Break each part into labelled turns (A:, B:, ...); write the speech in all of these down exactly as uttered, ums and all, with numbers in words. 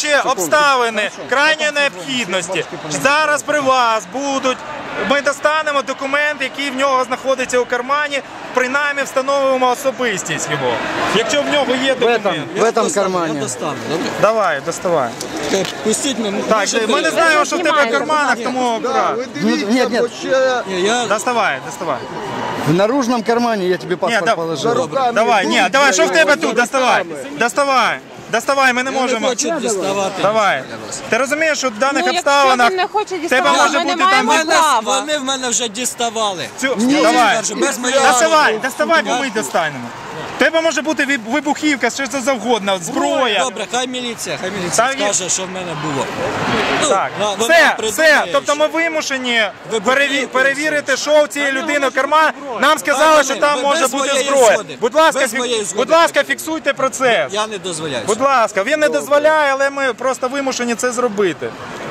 A: враховуючи обставини крайньої необхідності, зараз при вас будуть, ми достанемо документ, який в нього знаходиться у кармані, принаймні встановимо особистість його. Якщо в нього є документ.
B: В этом кармане.
A: Давай, доставай.
C: Пустіть мене.
A: Так, ми не знаємо, що в тебе в карманах, тому аккуратно.
B: Нет, нет.
A: Доставай, доставай.
B: В наружном кармане я тебе паспорт
A: Ні, да,
B: положил.
A: давай, ні, давай, що в тебе тут? Доставай, доставай, доставай, ми не
C: Я не
A: можемо.
C: хочу діставати.
A: Давай. Ти розумієш, що в даних
D: Ну,
A: обставинах
D: якщо він не хоче
A: тебе
D: діставати,
A: може
D: ми не
A: бути там...
D: маємо
C: Мене,
D: права.
C: вони в мене вже діставали.
A: Цю... Давай,
C: Без моєї
A: доставай,
C: згоди.
A: доставай, бо ми достанемо. В тебе може бути виб- вибухівка, що це завгодно, зброя.
C: Добре, хай міліція, хай міліція
A: Та є-
C: скаже, що в мене було. Ну,
A: Так,
C: вона
A: все,
C: придумає,
A: все, тобто ми вимушені переві- перевірити, що в цієї людини в карман. Нам сказали, що там
C: Без
A: може бути
C: моєї
A: зброя.
C: згоди.
A: Будь ласка,
C: Без
A: фік-
C: моєї згоди.
A: будь ласка, фіксуйте процес.
C: Я не дозволяю.
A: Будь ласка, він не дозволяє, але ми просто вимушені це зробити.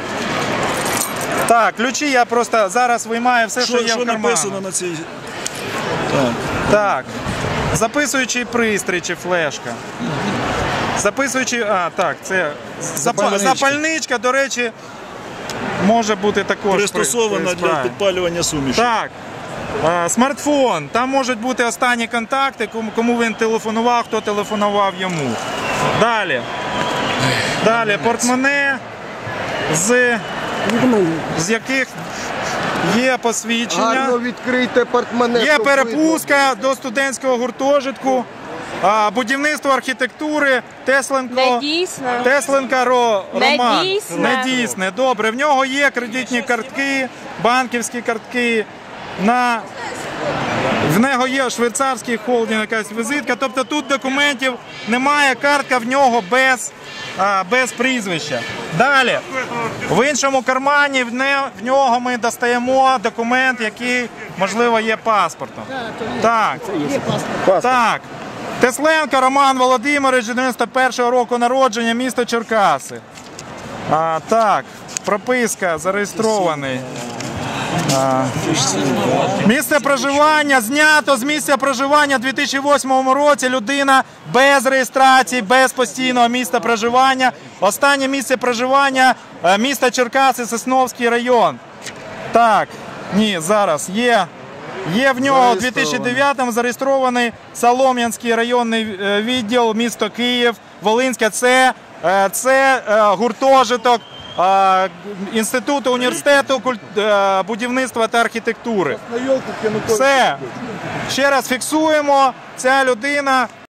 A: Так, ключі я просто зараз виймаю все, що,
E: Що,
A: є
E: що
A: в кармані.
E: написано на цій?
A: Так, записуючий пристрій чи флешка. Записуючий, а, так, це запа-
B: Запальничка.
A: запальничка, до речі, може бути також. при-
E: Пристосована
A: при
E: для
A: справі.
E: підпалювання суміші.
A: Так. А, смартфон. Там можуть бути останні контакти, кому- кому він телефонував, хто телефонував йому. Далі. Далі портмоне, з, з яких є посвідчення.
F: Гарно відкрийте портмоне.
A: Є
F: щоб
A: перепустка до студентського гуртожитку, а, будівництво архітектури, Тесленко.
D: Не дійсно.
A: Тесленка Ро,
D: Не
A: Роман.
D: дійсне.
A: Не дійсне. Добре, в нього є кредитні картки, банківські картки. На... В нього є швейцарський холдинг, якась візитка. Тобто тут документів немає, картка в нього без, а, без прізвища. Далі. В іншому кармані в, не... в нього ми достаємо документ, який, можливо, є паспортом. Так. Так. Тесленко Роман Володимирович, дев'яносто першого року народження, місто Черкаси. А, так, прописка, зареєстрований. А, місце проживання знято з місця проживання у дві тисячі восьмому році. Людина без реєстрації, без постійного місця проживання. Останнє місце проживання е, місто Черкаси, Сосновський район. Так, ні, зараз є. Є в нього у дві тисячі дев'ятому зареєстрований Солом'янський районний е, відділ, місто Київ, Волинське. Це, е, це е, гуртожиток е, Інституту університету куль- е, будівництва та архітектури. Все. Ще раз фіксуємо. Ця людина